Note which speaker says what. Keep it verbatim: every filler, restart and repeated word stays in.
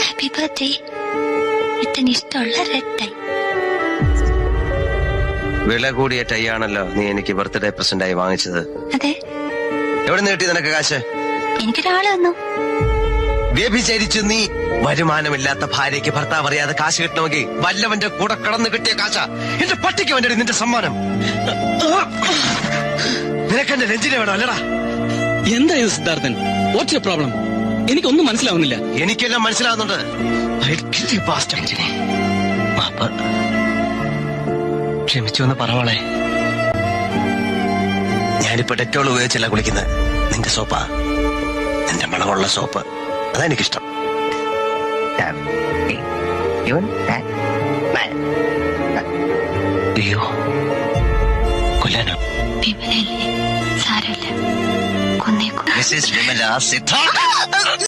Speaker 1: Happy birthday. ഇത്തന്നെ ഇഷ്ടമുള്ള red tie.
Speaker 2: വില കൂടിയ ടൈ ആണല്ലോ നീ എനിക്ക് ബർത്ത്ഡേ പ്രസന്റ് ആയി വാങ്ങിച്ചത്.
Speaker 1: അതെ.
Speaker 2: എവിടെ നിന്ന് കിട്ടി നിനക്ക് കാശ്?
Speaker 1: എനിക്കൊരാള് തന്നു.
Speaker 2: വ്യഭിചരിച്ചു നീ. വരുമാനമില്ലാത്ത ഭാര്യയ്ക്ക് ഭർത്താവ് അറിയാതെ കാശ് കിട്ടണമെങ്കിൽ വല്ലവന്റെ കൂടെ കടന്നു കിട്ടിയ കാശ. എന്റെ പട്ടിക്ക് വേണ്ടി നിന്റെ സമ്മാനം. നിനക്കെന്റെ നെഞ്ചിനെ വേണം അല്ലടാ.
Speaker 3: എന്തായത് സിദ്ധാർത്ഥൻ? What's your problem? എനിക്കൊന്നും മനസ്സിലാവുന്നില്ല.
Speaker 2: എനിക്കെല്ലാം മനസ്സിലാവുന്നുണ്ട്. ക്ഷമിച്ചു എന്ന് പറവളെ. ഞാനിപ്പോ ഡെറ്റോൾ ഉപയോഗിച്ചല്ല കുളിക്കുന്നത്. നിന്റെ സോപ്പാ, നിന്റെ മണമുള്ള സോപ്പ്. അതാ എനിക്കിഷ്ടം. അയ്യോ കൊല്ലാനോ?
Speaker 1: വിമലല്ലേ, സാരമില്ല, കൊന്നേക്കും.
Speaker 2: മിസ്സസ് വിമല സിദ്ധാർത്ഥ.